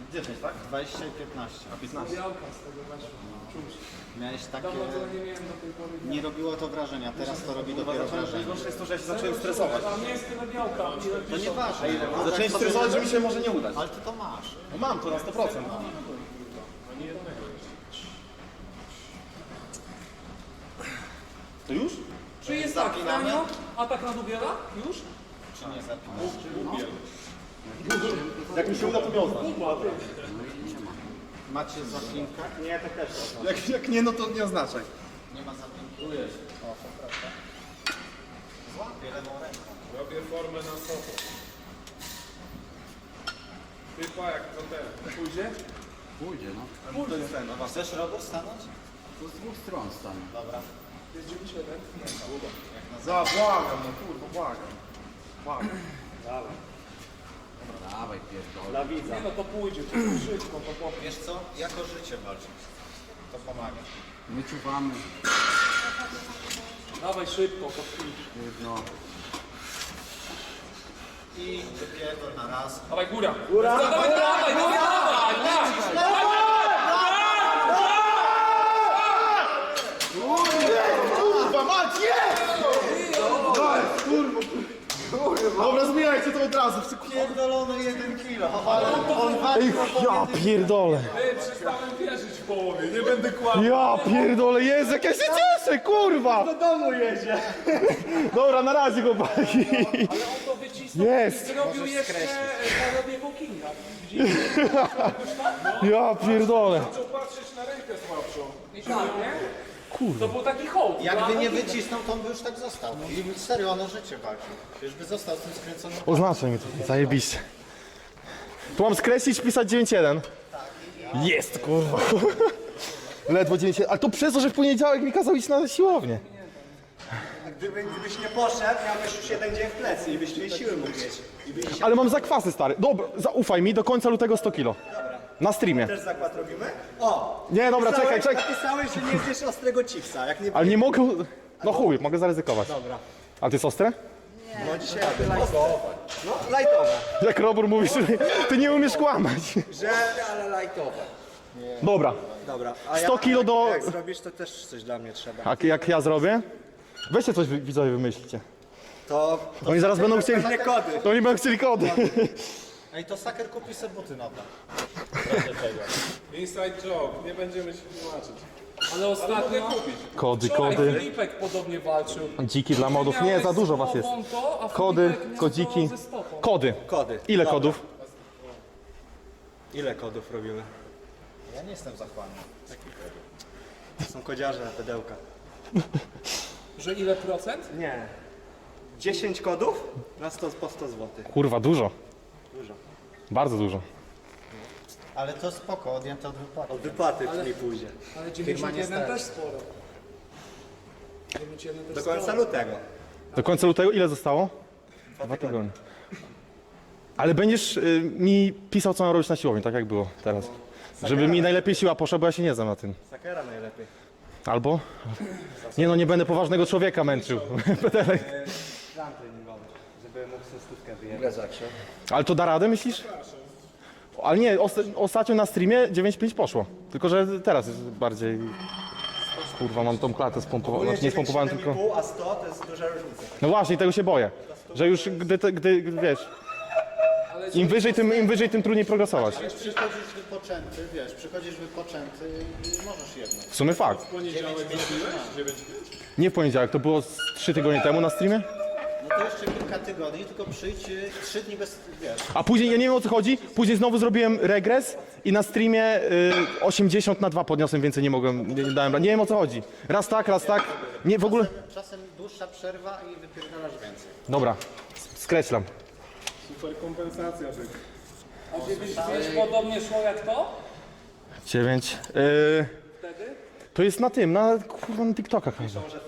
10, tak? 20 i 15. A 15? Białka z tego weszło. Czuć. Miałeś takie... Dawno tego nie miałem do tej pory. Nie robiło to wrażenia, teraz to robi dopiero wrażenie. Najgorsze jest to, że ja się zacząłem stresować. Tam nie jest tyle białka. To nieważne. Zacząłem stresować, że mi się może nie udać. Ale ty to masz. No mam to na 100%. To już? Czy jest tak, Zapinamy? Franio? Atak na Dubiela? Już? Czy nie zapinasz? Jak mi się uda, to mnie oznacz. Macie zapinkę? Nie, to też. Jak nie, no to nie oznaczaj. Nie ma zapinki. O, przepraszam. Złapię lewą ręką. Robię formę na sopo. Typa jak to ten. Pójdzie? Pójdzie, no. To jest ten, no Chcesz Robert stanąć? To z dwóch stron stanie. Dobra. Jest 97. błagam, no kurwa, błagam. Błagam. Dawaj, pierdolę. Nie no, to pójdzie. To jest szybko, to powie. Wiesz co? Jako życie walczyć. To pomaga. My czuwamy. Dawaj szybko, to pójdzie. No. I wypierdol na raz. Dawaj góra. Góra! Dawaj, dawaj, dawaj, dawaj! Kurwa, mać, jest! Kurwa. Dobra, zmieniajcie to od razu. Pierdolony 1 kilo, ale on waży Ja pierdolę. Przestałem wierzyć w połowie, nie będę kłamał. Ja pierdolę, Jezu, jak ja się cieszę, kurwa! Do domu jedzie. Dobra, na razie, chłopaki. Ale on to wycisnął Jest. i zrobił jeszcze parodię Kinga. Ja pierdolę. Zaczął patrzeć na rękę słabszą. I tak, nie? To był taki hołd. Jakby nie wycisnął, to on by już tak został. I serio, ono życie walczy. Już by został z tym skręconym. Oznaczaj mi to, zajebiście. Tu mam skreślić, pisać 9-1. Jest, kurwa. Ledwo 9-1, ale to przez to, że w poniedziałek mi kazał iść na siłownię. Gdybyś nie poszedł, miałbyś już jeden dzień w plecy i byś tej siły mógł mieć. Ale mam zakwasy, stary. Dobra, zaufaj mi, do końca lutego 100 kilo. Na streamie. Też zakład robimy? O! Nie, dobra, czekaj. Napisałeś, że nie zjesz ostrego chipsa. Jak nie Ale nie mogę... No chuj, mogę zaryzykować. Dobra. A ty jest ostre? no dzisiaj lajtowe. No, lajtowe. Jak Robur mówisz, ty nie umiesz kłamać. Że... ale lajtowe. Dobra. Dobra. A 100 kilo do... Jak zrobisz, to też coś dla mnie trzeba. A jak ja zrobię? Weźcie coś, widzowie, wymyślicie. To Oni zaraz będą chcieli... pewnie kody. To oni będą chcieli kody. Ej, to Saker kupi sobie buty nowe. Inside joke, nie będziemy się tłumaczyć. Ale ostatnio... Kody, Wczoraj kody. Filipek podobnie walczył. Dziki dla modów. Nie, za dużo was jest. Wonto, a Kody, Filipek miał kodziki. to ze stopą. Kody. Kody. Ile Dobra. kodów? Ile kodów robimy? Ja nie jestem zachłanny. Są kodziarze na pedełka. Że ile procent? Nie. 10 kodów na 100, po 100 zł. Kurwa, dużo. Dużo. Bardzo dużo. Ale to spoko, odjęte od wypłaty. Od wypłaty mi pójdzie. Ale Firma nie 91 stać. też sporo. 91 też Do końca sporo. lutego. Do końca lutego ile zostało? 2 tygodnie. Ale będziesz mi pisał, co mam robić na siłowni, tak jak było teraz. Żeby mi najlepiej siła poszła, bo ja się nie znam na tym. Sakera najlepiej. Albo? Nie no, nie będę poważnego człowieka męczył. Plan treningowy, żeby mógł sobie stówkę wyjechać. Ale to da radę, myślisz? Ale nie, ostatnio na streamie 9,5 poszło. Tylko, że teraz jest bardziej... Kurwa, mam tą klatę spompowaną. Znaczy nie spompowałem, tylko... 7,5, a 100 to jest duża różnica. No właśnie, tego się boję. Że już gdy wiesz... Im wyżej, tym trudniej progresować. Wiesz, przychodzisz wypoczęty, wiesz, przychodzisz wypoczęty i możesz jedno. W sumie fakt. Poniedziałek zrobiłeś? 9 Nie w poniedziałek, to było 3 tygodnie temu na streamie. No to jeszcze kilka tygodni, tylko przyjdź 3 dni bez, wiesz. A później, ja nie wiem o co chodzi, później znowu zrobiłem regres i na streamie 80/2 podniosłem, więcej nie mogłem, nie dałem rady. Nie wiem o co chodzi. Raz tak, nie w ogóle... Czasem dłuższa przerwa i wypierdalasz więcej. Dobra, skreślam. Super kompensacja tych. A 9 podobnie szło jak to? 9. Wtedy? To jest na tym, kurwa, na TikTokach chyba. Że